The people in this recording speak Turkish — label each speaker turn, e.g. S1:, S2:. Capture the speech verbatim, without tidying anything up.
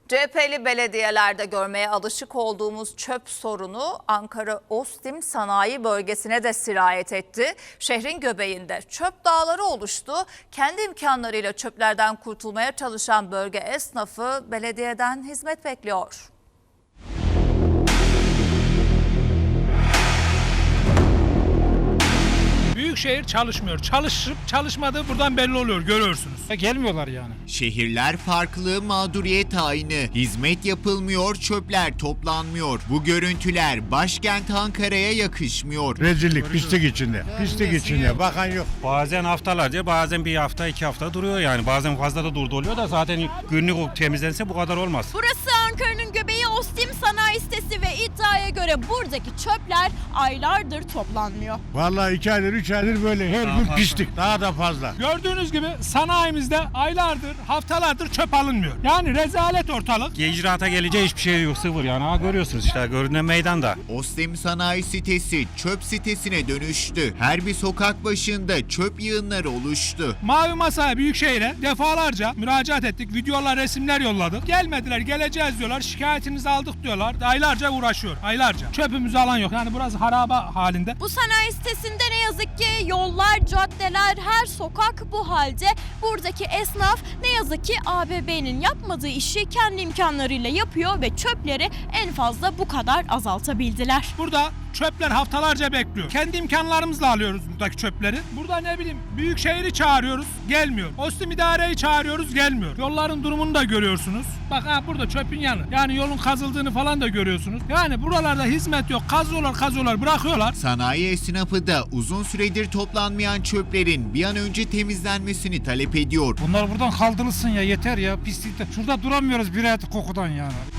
S1: C H P'li belediyelerde görmeye alışık olduğumuz çöp sorunu Ankara Ostim Sanayi Bölgesi'ne de sirayet etti. Şehrin göbeğinde çöp dağları oluştu. Kendi imkanlarıyla çöplerden kurtulmaya çalışan bölge esnafı belediyeden hizmet bekliyor.
S2: Büyükşehir çalışmıyor. Çalışıp çalışmadığı buradan belli oluyor, görüyorsunuz.
S3: Gelmiyorlar yani.
S4: Şehirler farklı, mağduriyet aynı. Hizmet yapılmıyor, çöpler toplanmıyor. Bu görüntüler başkent Ankara'ya yakışmıyor.
S3: Rezillik, pislik içinde. Pislik içinde. Bakan yok.
S5: Bazen haftalarca, bazen bir hafta, iki hafta duruyor yani. Bazen fazla da durdu oluyor da zaten günlük temizlense bu kadar olmaz.
S6: Burası Ankara'nın göbeği Ostim Sanayi Sitesi ve iddiaya göre buradaki çöpler aylardır toplanmıyor.
S3: Vallahi iki aydır, üç aydır böyle her gün pislik. Daha da fazla.
S2: Gördüğünüz gibi sanayimizde aylardır, haftalardır çöp alınmıyor. Yani rezalet ortalık.
S5: İcraata gelince hiçbir şey yok, sıfır yani. Ha, görüyorsunuz işte, görünen meydanda.
S4: Ostim Sanayi Sitesi çöp sitesine dönüştü. Her bir sokak başında çöp yığınları oluştu.
S2: Mavi Masa'ya, Büyükşehir'e defalarca müracaat ettik. Videolar, resimler yolladık. Gelmediler, geleceğiz diyorlar. Şikayetinizi aldık diyorlar. Aylarca uğraşıyor, aylarca. Çöpümüzü alan yok. Yani burası haraba halinde.
S6: Bu sanayi sitesinde ne yazık ki yollar, caddeler, her sokak bu halde. Buradaki esnaf ne yazık ki A B B'nin yapmadığı işi kendi imkanlarıyla yapıyor ve çöpleri en fazla bu kadar azaltabildiler.
S2: Burada çöpler haftalarca bekliyor. Kendi imkanlarımızla alıyoruz buradaki çöpleri. Burada ne bileyim Büyükşehir'i çağırıyoruz, gelmiyor. Ostim İdare'yi çağırıyoruz, gelmiyor. Yolların durumunu da görüyorsunuz. Bak ha, burada çöpün yanı. Yani yolun kazıldığını falan da görüyorsunuz. Yani buralarda hizmet yok. Kazıyorlar, kazıyorlar, bırakıyorlar.
S4: Sanayi esnafı da uzun süredir toplanmayan çöplerin bir an önce temizlenmesini talep ediyor.
S3: Bunlar buradan kaldırılsın ya, yeter ya, pislikte. Şurada duramıyoruz bir hayatı kokudan yani.